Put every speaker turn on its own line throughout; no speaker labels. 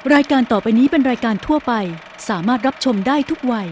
รายการต่อไปนี้เป็นรายการทั่วไปสามารถรับชมได้ทุกวัย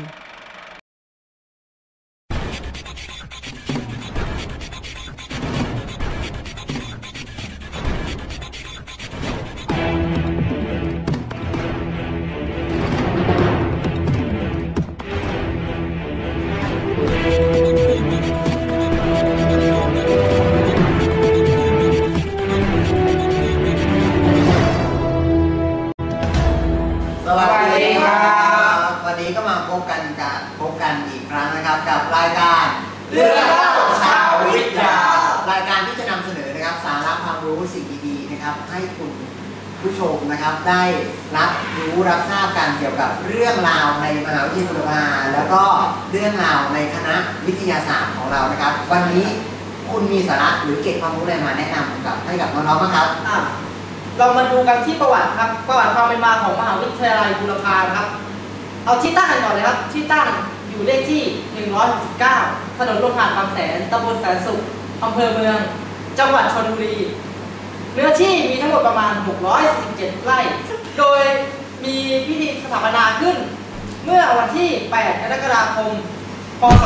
อีกครั้งนะครับกับรายการเรื่องเล่าชาววิทยารายการที่จะนำเสนอนะครับสาระความรู้สิ่งดีๆนะครับให้คุณผู้ชมนะครับได้รับรู้รับทราบกันเกี่ยวกับเรื่องราวในมหาวิทยาลัยบูรพาแล้วก็เรื่องราวในคณะวิทยาศาสตร์ของเรานะครับวันนี้คุณมีสาระหรือเก็บความรู้อะไรมาแนะนำกับให้กับน้องๆบ้างครับ
เรามาดูกันที่ประวัติครับประวัติความเป็นมาของมหาวิทยาลัยบูรพาครับเอาที่ตั้งกันก่อนเลยครับที่ตั้งอยู่เลขที่169ถนนลงหาดบางแสนตำบลแสนสุขอำเภอเมืองจังหวัดชลบุรีเนื้อที่มีทั้งหมดประมาณ617ไร่โดยมีพิธีสถาปนาขึ้นเมื่อวันที่8กรกฎาคมพ.ศ.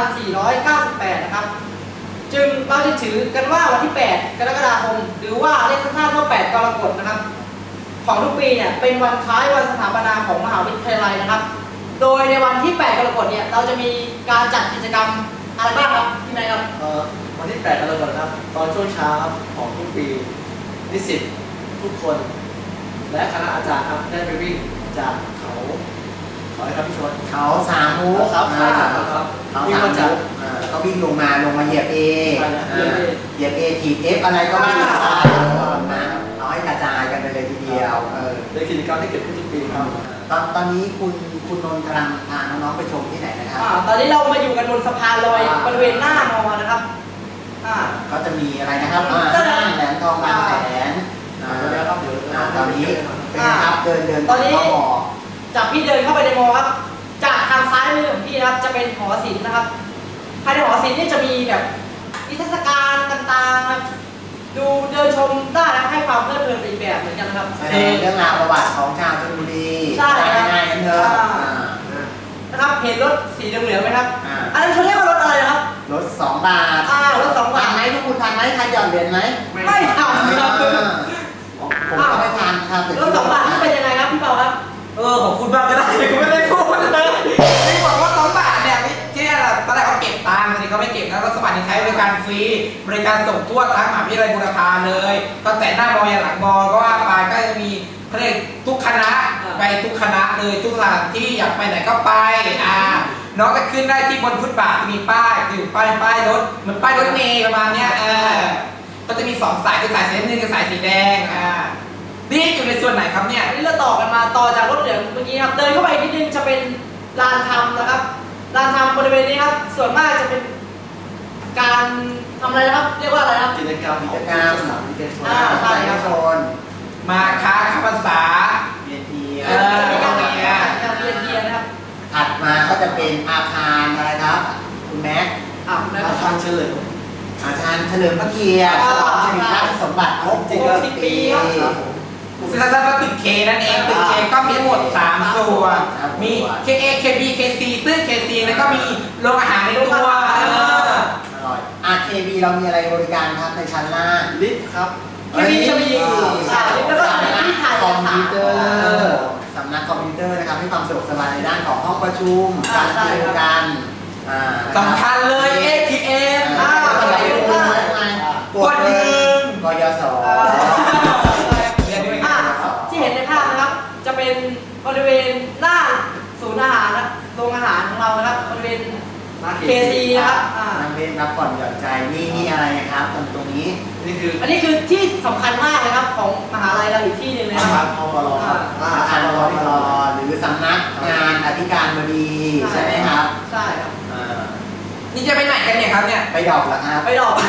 2498นะครับจึงเราจะถือกันว่าวันที่8กรกฎาคมหรือว่าเรียกสั้นๆว่า8กรกฎนะครับของทุกปีเนี่ยเป็นวันคล้ายวันสถาปนาของมหาวิทยาลัยนะครับโดยในวันที่8กรกฎาคมเนี่ยเราจะมีการจัดกิจกรรมอะไรบ้างครับที่ไหนครับ
วันที่8กรกฎาคมครับตอนช่วงเช้าของทุกปีนิสิตทุกคนและคณะอาจารย์ครับได้ไปวิ่งจากเขาอะไรครับพี่ชวน
เขาสามมุก
ครับ
เขาสามมุกก็วิ่งลงมาเหยียบเอเหยียบเอถีบเอฟอะไรก็วิ่งมาน้อยกระจายกันไปเลยทีเดียว
ในกิจกรรมที่เกิดขึ้นทุกปีครับ
ตอนนี้คุณนนท์กำลังพาน้องๆไปชมที่ไหนนะครับ
ตอนนี้เรามาอยู่กันบนสะพานลอยบริเวณหน้ามอนะครับ
ก็จะมีอะไรนะครับห้างแหลมทองบางแสนตอนนี้เป็นครับเดิน
ตอนนี้จากพี่เดินเข้าไปในมอครับจากทางซ้ายมือของพี่นะครับจะเป็นหอศิลป์นะครับภายในหอศิลป์นี่จะมีแบบนิทรรศการต่างๆครับดูเดินชมได้และให้ความเพลิดเพลินอีกแบบเหมือนกันนะครับ
เรื่องราวประวัติของชาวชลบุรี
ใช่
ง่ายๆกันเถอะ
นะครับเห็นรถสีเหลืองๆไหมครับอันนั้นเขาเรียกว่ารถอะไรครับ
รถ2 บาท
รถ2 บาท
ทันไหมทุกคุณทันไหมทันหย่อนเหรียญไหม
ไม่ทันครับ
ผมก็ไม่ทันครับ
รถ2 บาทนี่เป็นยังไงครับพี่เปาครับ
ของคุณบ้างก็ได้ไม่ได้พูดเลยไม่บอกว่า2 บาทเนี่ยที่นี่ตอนแรกเขาเก็บตังค์ตอนนี้เขาไม่เก็บแล้วรถ2 บาทนี่ใช้บริการฟรีบริการส่งทั่วทั้งมหาวิทยาลัยบูรพาเลยตั้งแต่หน้ามอยันหลังมอก็ว่าไปก็จะมีเขาเรียกทุกคณะไปทุกคณะเลยทุกสถานที่อยากไปไหนก็ไปน้องก็ขึ้นได้ที่บนฟุตบาทมีป้ายอยู่ป้ายรถเหมือนป้ายรถเมล์ประมาณเนี้ยก็จะมี2 สายคือสายสีน้ำเงินกับสายสีแดงนี่อยู่ในส่วนไหนครับเนี่ย
นี่เราต่อกันมาต่อจากรถเหลืองเมื่อกี้ครับเดินเข้าไปนิดนึงจะเป็นลานธรรมนะครับลานธรรมบริเวณนี้ครับส่วนมากจะเป็นการทำอะไรนะครับเรียกว่าอะไรครับ
กิจกรรม
สามวิทยาชน
มาค้าพรรษา
เรียนเทีย
การเรียนเทียนะครับ
ถัดมาก็จะเป็นอาคารอะไรครับคุณแม็ก
อาคารเฉลิม
พระเกียรติฉลองสิริราชสมบัติครบ60 ปี
ซึ่งถ้าตึกเคนั่นเองตึกเคก็มีทั้งหมด3 ส่วนมี KA KB KC ซึ่ง KC แล้วก็มีโรงอาหารในตัว
KB เรามีอะไรบริการครับในชั้นล่าง
ลิฟต์ครับ
KB จะมีแล้วก็ที่ถ่าย
คอมพิวเตอร์สำนักคอมพิวเตอร์นะครับให้ความสะดวกสบายในด้านของห้องประชุมการเรียนการ
สำคัญเลย ATM
กด1กยศ
ที่เห็นในภาพนะครับจะเป็นบริเวณหน้าศูนย์อาหารนะโรงอาหารของเรานะครับบริเวณKC นะครับ
นั่งเล่นรับผ่อนหย่อนใจนี่อะไรครับตรงนี้
อันนี้คือที่สำคัญมากเลยครับของมหาลัยเราอีกที่หนึ่งเลย
ครับอาคารพลหรือสำนักงานอธิการบดีใช่ไหมครับ
ใช่ครับ
นี่จะไปไหนกันเนี่ยครับเนี่ย
ไปดอกเหรอครับ
ไปดอก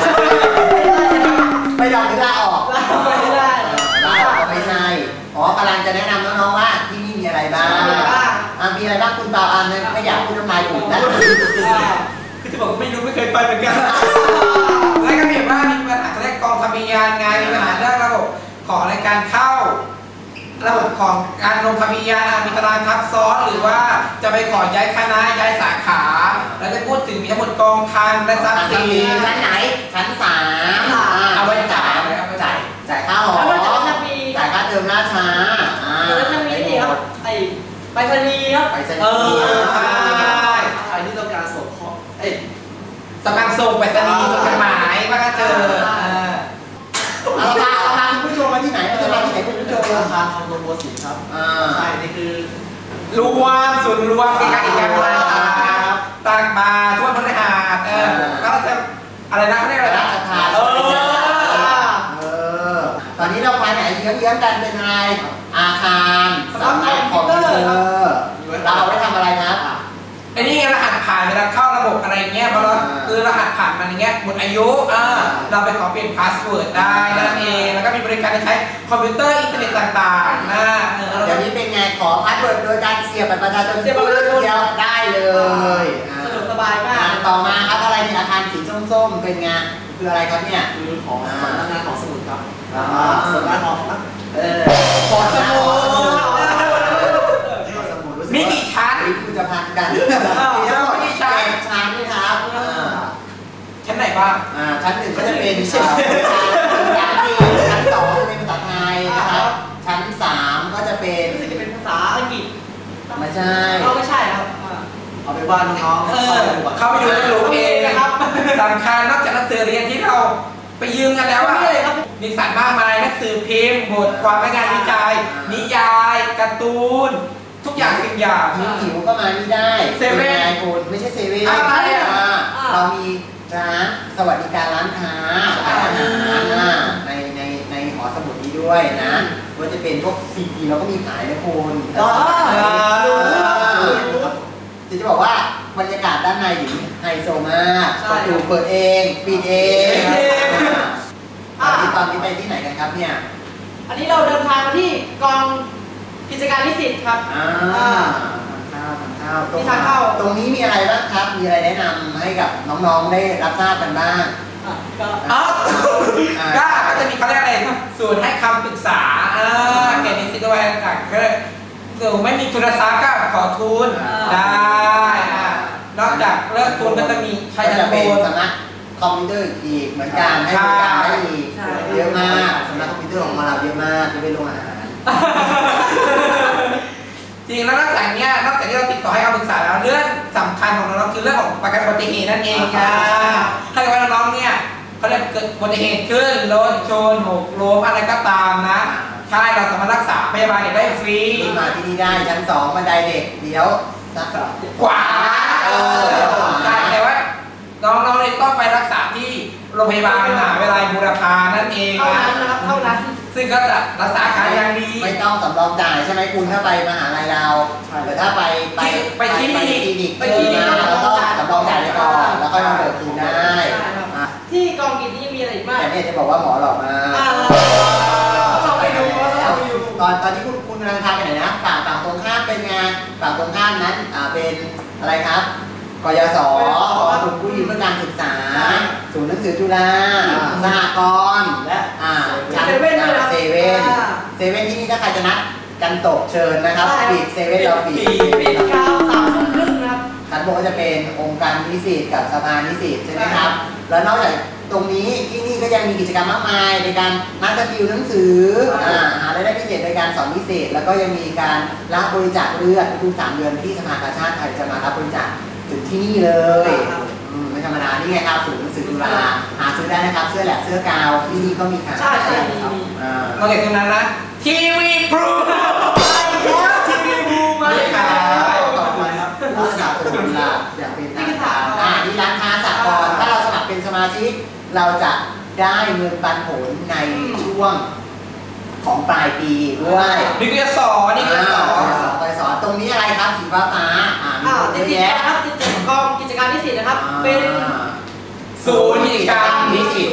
หรือลาออก
ไม่ได้
ลาออกไม่ใช่กำลังจะแนะนำน้องๆว่าที่นี่มีอะไรบ้างมีอะไรบ้างคุณเปาไม่อยากพูดน้ำลายถูกนะ
คือจะบอกไม่รู้ไม่เคยไปเหมือนกันแล้วก็มีว่ามีปัญหาเรื่องกองทะเบียนไงมีปัญหาเรื่องระบบของในการเข้าระบบขของการลงทะเบียนมีตารางทับซ้อนหรือว่าจะไปขอย้ายคณะย้ายสาขาเราจะพูดถึงมีทั้งหมดกองคลังและทรัพย์สิน
ชั้นไหนชั้นสาม
เอาไว้จ่าย
จ่ายค่าหอ
แล้วก็จะมี
จ่ายค่าเทอมล่าช้า
แล้วจะมีนี่ครับไอ้ไปรษณีย์ครับ
ไปสนีย์
ใช่
ใครที่ต้องการส่งข้อ
สำคัญส่งไปรษณีย์ส่งจดหมายว่าก็เจอ
เราพาคุณผู้ชมมาที่ไหนเราจะมาที่ไหนคุณผู้ชม
อาคารทองโดนบัวสีครับใช่นี่คือ
รวมศูนย์รวมกิจการต่างมาทั่วพฤหัสก็จะอะไรนะเขาเรียกอะไร
รา
นะ
ชทานตอนนี้เราไปไหนเยื้องๆกันเป็นอะไรอาคารสำนักคอมพิวเตอร์เราเอาไว้ทำอะไรครับ
ไอ้นี่รหัสผ่านเวลาเข้าระบบอะไรเงี้ยพอเราคือรหัสผ่านมันอย่างเงี้ยหมดอายุเราไปขอเปลี่ยนพาสเวิร์ดได้นั่นเองแล้วก็มีบริการใช้คอมพิวเตอร์อินเทอร์เน็ตต่างๆนะ
เดี๋ยวนี้เป็นไงขอพาสเวิร์ดโดยการเสียบบัตรประชาชนเดียวได้เลย
สะดวกสบายมาก
ต่อมาครับอะไรในอาคารสีส้มๆเป็นไงคืออะไรครับเนี่ย
คือของสำนักงานของสมุดครับสำนักงานของ
ขอสมุดมีกี่ชั้น
คุณจะพักกันมีทั้งหมด7 ชั้นนี่ครับ
ชั้นไหนบ้าง
ชั้น 1ก็จะเป็นชั้นที่ชั้น 2จะเป็นภาษาไทยนะครับชั้น 3ก็จะเป็น
ภาษาอังกฤษ
ไม่ใช่
ไม่ใช่ครับ
เอาไปว่าน้องๆ
เข้าไปดูจะรู้เองสำคัญนอกจากหนังสือเรียนที่เราไปยืมกันแล้วว่ามีสารมากมายหนังสือพิมพ์บทความและงานวิจัยนิยายการ์ตูนทุกอย่างสิ่งอย่าง
หิวก็มานี่ได้
เซเว่น
คุณไม่ใช่เซเว่นเรามีร้านสวัสดิการร้านค้าอาหารในหอสมุดนี้ด้วยนะว่าจะเป็นพวกซีดีเราก็มีขายนะคุณจะบอกว่าบรรยากาศด้านในอยู่ไฮโซมากประตูเปิดเองปิดเองตอนนี้ไปที่ไหนกันครับเนี่ย
อันนี้เราเดินทางมาที่กองกิจการนิสิตครับ
ทางเข้าตรงนี้มีอะไรบ้างครับมีอะไรแนะนำให้กับน้องๆได้รับทราบกันบ้าง
ก็จะมีเขาเรียกอะไรส่วนให้คำปรึกษาแก่นิสิตด้วยต่างๆก็ไม่มีทุนทรัพย์ก็ขอทุนได้นอกจากเลิกทุนก็จะมีใช้จะเป็น
สำนักคอมพิวเตอร์อีกเหมือนกันให้บริการได้อีกเยอะมากสำนักคอมพิวเตอร์ของเราเยอะมากจะเป็นโรงอาหาร
จริงแล้วนอกจากนี้นอกจากที่เราติดต่อให้คำปรึกษาแล้วเรื่องสำคัญของเราคือเรื่องของประกันอุบัติเหตุนั่นเองถ้าเกิดว่าน้องเนี่ยเขาเรียกเกิดอุบัติเหตุขึ้นรถชนหกล้มอะไรก็ตามนะใช่เราสามารถรักษาพยาบาลได้ฟรี
มาที่นี่ได้ชั้น 2บันไดเด็กเดี๋ยว
ขวาแต่ว่าน้องๆเลยต้องไปรักษาที่โรงพยาบาลมหาวิทยาลัยบูรพานั่นเอง
เท่านั้นนะครับเท่านั้น
ซึ่งก็จะรักษาอาการอย่างดี
ไม่ต้องสำรองจ่ายใช่ไหมคุณถ้าไปมหาลัยเราแต่ถ้าไป
คลิ
นิกเราต้องสำรองจ่ายไปก่อนแล้วก็มาเบิกคืนได้
ที่กองกิจนี้มีอะไรบ้าง
แต่เนี่ยจะบอกว่าหมอหลอกมา
เราไปดู
ตอนที่คุณกำลังทำไปไหนนะฝั่งตรงข้ามเป็นงานฝั่งตรงข้ามนั้นเป็นอะไรครับกยศกลุ่มผู้ยืมเพื่อการศึกษาศูนย์หนังสือจุฬาสหกรณ์และ
เซเว่น
ที่นี่ถ้าใครจะนัดกันตกเชิญนะครับปิดเซเว่นเราปิด
กาว3:30นะครับ
ชั้นบนก็จะเป็นองค์การนิสิตกับสภานิสิตใช่ไหมครับแล้วนอกจากตรงนี้ที่นี่ก็ยังมีกิจกรรมมากมายในการนัดกันติวหนังสือหารายได้พิเศษในการสอนพิเศษแล้วก็ยังมีการรับบริจาคเลือดทุก3 เดือนที่สภากาชาดไทยจะมารับบริจาคถึงที่นี่เลยไม่ธรรมดานี่ไงครับศูนย์หนังสือจุฬาหาซื้อได้นะครับเสื้อแหลกเสื้อกาวที่นี่ก็มีขาย
ใช่
นอกจากตรงนั้นนะทีวีพรู
แล้วทีวีพรูมา
เลยครับต่อไปครับผู้สนับสนุนหลักอย่างเป็นทางการที่ร้านค้าสากลถ้าเราสมัครเป็นสมาชิกเราจะได้เงินปันผลในช่วงของปลายปีด้วย
นี่ก็จะสอน
ตรงนี้อะไรครับสีฟ้า
ติดครับติดกองกิจการนิสิตนะครับเป็น
ศูนย์กิจการนิสิต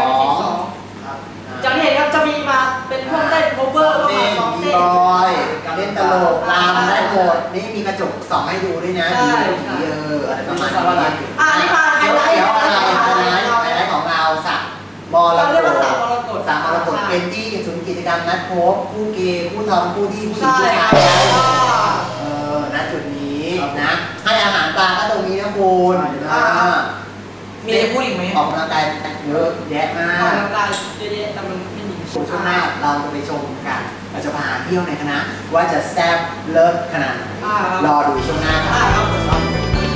2จากที่เห็นครับจะมีมาเป็นพวกเต้นโคเวอร์
เต้นบีบอยเล่นตลกรำได้หมดนี่มีกระจกส่องให้ดูด้วยนะอะไรประมาณนี้
นี่มาไฮไลท์
ของเราสักมรกตเป็นที่ศูนย์กิจกรรมนัดพบคู่เกย์คู่ทอมคู่ที่ผู้หญิง
ใช่
ผู้
ค
ชา
รั
ย
บ
ณจุดนี้นะให้อาหารปลาก็ตรงนี้นะคุณ
มีจะพูดอีกไหม
ออกกำลังกายเยอะแยะมา
ออก
ก
กำลังกายเยอะๆแต่มันไม่มี
ช่วงหน้าเราจะไปชมกันเราจะพาเที่ยวในคณะว่าจะแซ่บเลิศขนาดไหนรอดูช่วงหน้าครับ
ครับผมครับ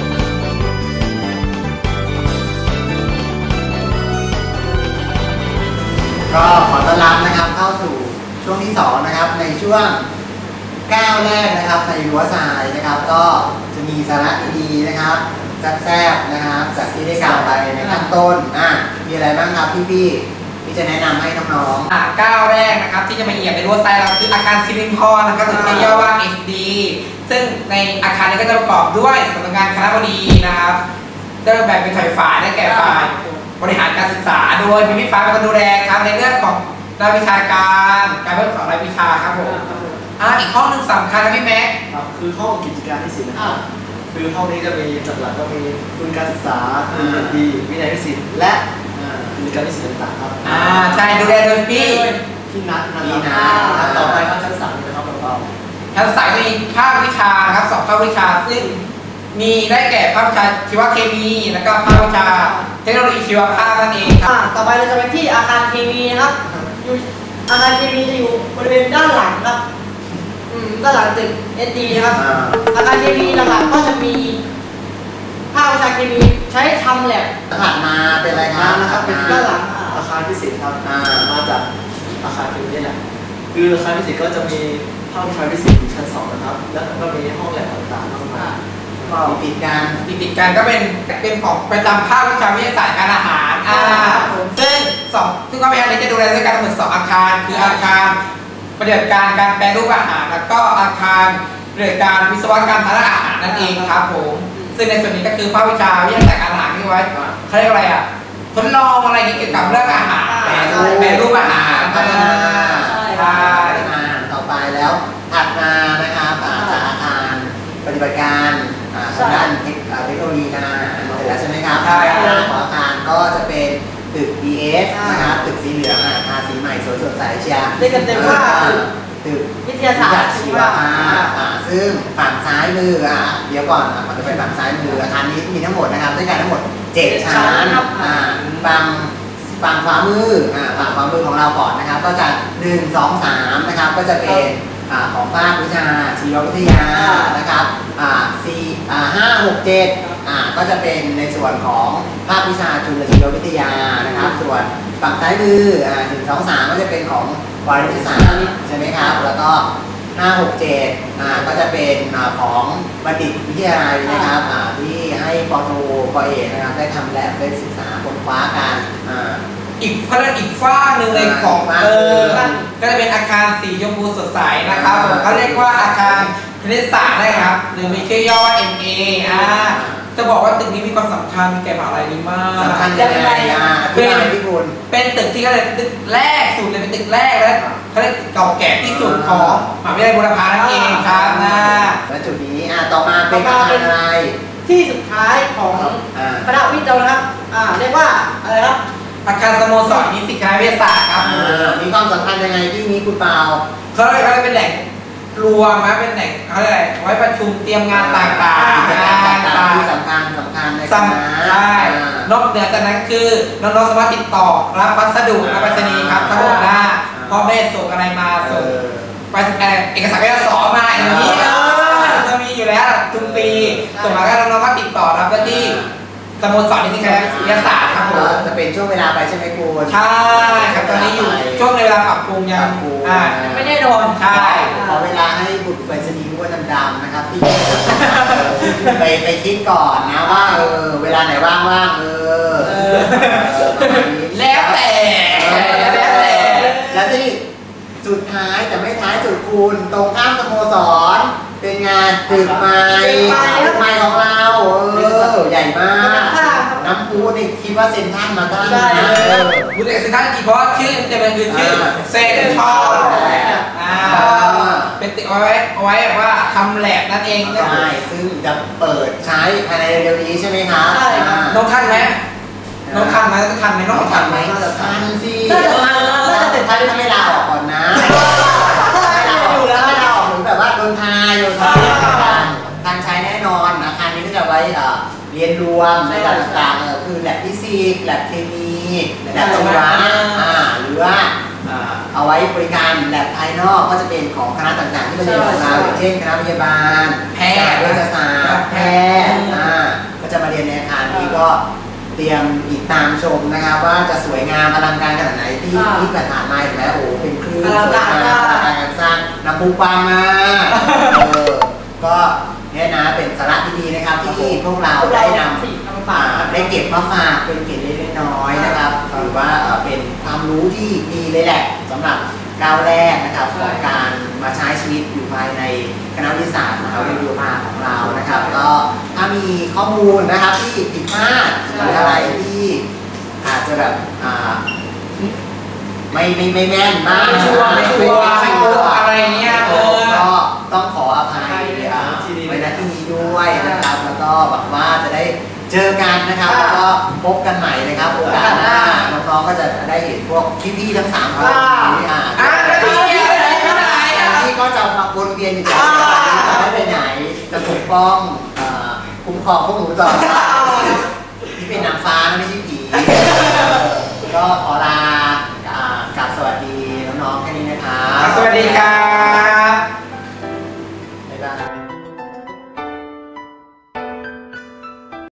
ก็ขอต้อนรับนะครับเข้าสู่ช่วงที่2นะครับในช่วงก้าวแรกนะครับในรั้วทรายนะครับ ก็จะมีสาระดีๆนะครับแซ่บๆนะครับจากที่ได้กล่าวไปในขั้นต้นมีอะไรบ้างครับพี่ที่จะแนะนำให้น้องๆ
ก้าวแรกนะครับที่จะมาเหยียบในรั้วทรายเราคืออาคารซิลินทรนะครับหรือที่ย่อว่า SD ซึ่งในอาคารนี้ก็จะประกอบด้วยสำนักงานคณบดีนะครับจะแบ่งเป็นฝ่ายได้แก่ฝ่ายบริหารการศึกษาโดยมีพี่ฟ้าเป็นคนดูแลครับในเรื่องของรายวิชาการเพิ่มสอนรายวิชาครับผมอีกห้องหนึ่งสำคัญนะพี่แม็ก
ครับคือห้องกิจการนิสิตนะครับคือห้องนี้จะมีหลักๆก็มีทุนการศึกษาทุนเรียนดีวินัยนิสิตและกิจการนิสิตต่างๆครับ
ใช่ดูแลโดยพี่
ที่นัดนะ
พี่
ค
นั
รับ
ท
ต่อไปก็ชั้น3นะครับเรา
ทั้งสายมีภาควิชานะครับ2ภาควิชาซึ่งมีได้แก่ภาควิชาชีวเคมีแล้วก็ภาควิชาเทคโนโลยีชีวภาพนั่นเองครับ
ต่อไปเราจะไปที่อาคารเคมีนะครับอยู่อาคารเคมีจะอยู่บริเวณด้านหลังครับด้านหลังตึก SD นะครับอาคารเคมีหลักๆก็จะมีภาควิชาเคมีใช้ทำแลบ
ถัดมาเป็นอะไรครับ
นะครับเป็น
ด้านหลัง
อาคารพิเศษครับมาจากอาคารที่นี่แหละคืออาคารพิเศษก็จะมีห้องวิชาพิเศษอยู่ชั้น2นะครับแล้วก็มีห้องแลบต่างๆมากมาย
ติดกัน
ติดกันก็เป็นของประจำภาควิชาวิทยาศาสตร์การอาหารซึ่งภาควิชานี้จะดูแลด้วยกันทั้งหมด2อาคารคืออาคารปฏิบัติการการแปรรูปอาหารแล้วก็อาคารปฏิบัติการวิศวกรรมทางด้านอาหารนั่นเองครับผมซึ่งในส่วนนี้ก็คือภาควิชาวิทยาศาสตร์การอาหารที่ไว้เขาเรียกอะไรทดลองอะไรเกี่ยวกับเรื่องอาหารแปรรูปอาหารใช่
ต่อไปแล้วถัดมานะครับจากอาคารปฏิบัติการทางด้านเทคโนโลยีการอาหารเสร็จแล้วใช่ไหมครับของอาคารก็จะเป็นตึก DS นะครับตึกสีเหลืองทาสีใหม่สวยสดใสเชียร์
เรียกกันเต็มว่า
ตึก
วิทยาศาสตร์
ชีวภาพซึ่งฝั่งซ้ายมือเดี๋ยวก่อนมันจะเป็นฝั่งซ้ายมืออาคารนี้มีทั้งหมดนะครับด้วยกันทั้งหมด7ชั้นฝั่งขวามือฝั่งขวามือของเราก่อนนะครับก็จะ1 2 3นะครับก็จะเป็นของภาควิชาชีววิทยานะครับ5 6 7ก็จะเป็นในส่วนของภาควิชาจุลชีววิทยานะครับส่วนฝั่งซ้ายมือ1 2 3ก็จะเป็นของวารสารใช่ไหมครับแล้วก็5 6 7ก็จะเป็นของบัณฑิตวิทยาลัยนะครับที่ให้ปโทปเอกนะครับได้ทำแลบได้ศึกษาค้นคว้ากัน
อีกฝ้าหนึ่งเลยของก็จะเป็นอาคารสีชมพูสดใสนะครับผมเขาเรียกว่าอาคารคณิตศาสตร์นะครับหรือมีชื่อย่อว่า MA จะบอกว่าตึกนี้มีความสำคัญแก่มหาลัยนี้มาก
สำคัญยังไง
เป็นตึกที่เขาเรียกตึกแรกสุดเลยเป็นตึกแรกและเขาเรียกเก่าแก่ที่สุดของมหาวิทยาลัยบูรพานั่นเองครับ
และจุดนี้ต่อมาเป็นอาคารอะไร
ที่สุดท้ายของคณะวิทย์เรานะครับเรียกว่าอะไรครับ
อาคารสโมสรนิสิตคณะวิทยาศาสตร์ครับ
มีความสำคัญยังไงที่นี้คุณเปา
เขาเรียกว่าเป็นแหล่งรวมนะเป็นแหล่งเขาเรียกอะไรไว้ประชุมเตรียมงานต่างๆ
ที่สำคัญในคณะ
ใช่นอกเหนือจากนั้นคือน้องๆสามารถติดต่อรับพัสดุรับไปรษณีย์ครับทั้งหมดพ่อแม่ส่งอะไรมาส่งไปเอกสารการสอนมาอย่างนี้จะมีอยู่แล้วทุกปีส่งมาก็น้องๆก็ติดต่อรับได้ที่สโมสรนิสิตคณะวิทยาศาสตร์ครับผม
จะเป็นช่วงเวลาไปใช่ไหมคุณ
ใช่ครับตอนนี้อยู่ช่วงเวลาปรับปรุงยังไม่ได้โดนใช่
ขอเวลาให้บุตรไปสนีว่าดำๆนะครับที่ไปคิดก่อนนะว่าเวลาไหนว่าง
แล้วแต่
แล้วที่สุดท้ายแต่ไม่ท้ายสุดคุณตรงข้ามสโมสรเป็นงานตึกไม้ของเราใหญ่มากน้ำพุนี่คิดว่าเซ็นทรัลมาตั้งนะ
พูดถึงเซ็นทรัลจริงเพราะชื่อจะเป็นชื่อเซ็นทรัลเป็นตึกเอาไว้แบบว่าทำแลบนั่นเอง
ใช่ซึ่งจะเปิดใช้ภายในเร็วๆนี้ใช่ไหมครับ
ใช่ครับ
น้องทันไหมน้องทันไหมน้องทันไหม
ทันสิ
น่าจะจะเสร็จ
ถ้าไม่ลาออกก่อนนะไม่ลาออกไม่ลาออกเหมือนแบบว่าโดนทายการใช้แน่นอนอาคารนี้ก็จะไว้เรียนรวมในด้านต่างๆคือแลบฟิสิกส์แลบเคมีแลบชีวะหรือว่าเอาไว้บริการแลบภายนอกก็จะเป็นของคณะต่างๆที่เราเรียนของเราอย่างเช่นคณะพยาบาลแพทย์เวชศาสตร์แพทย์ก็จะมาเรียนในอาคารนี้ก็เตรียมติดตามชมนะครับว่าจะสวยงามอลังการขนาดไหนที่ผ่านมาเห็นไหมโอ้เป็นคลื่นสวยงามอลังการสร้างน้ำพุปังมาก็เนี่ยนะเป็นสาระดีๆนะครับที่พวกเราได้นำได้เก็บมาฝากเป็นเกร็ดเล็กๆน้อยๆนะครับหรือว่าเป็นความรู้ที่ดีเลยแหละสำหรับก้าวแรกนะครับของการมาใช้ชีวิตอยู่ภายในคณะวิทยาศาสตร์มหาวิทยาลัยของเรานะครับก็ถ้ามีข้อมูลนะครับที่ผิดพลาดหรืออะไรที่อาจจะแบบไม่แม่นมากไม่ชัวร์
อะไรเงี้ย
ก็ต้องขออภัยไว้ณที่นี้ด้วยนะครับแล้วก็หวังว่าจะได้เจอกันนะครับแล้วก็พบกันใหม่นะครับโอกาสหน้าน้องๆก็จะได้เห็นพวกพี่ๆทั้ง3คนที่ที่ก็จะมาวนเวียนอยู่ที่จะไม่ไปไหนจะปกป้องคุ้มครองพวกหนูต่อที่เป็นนางฟ้านะไม่ใช่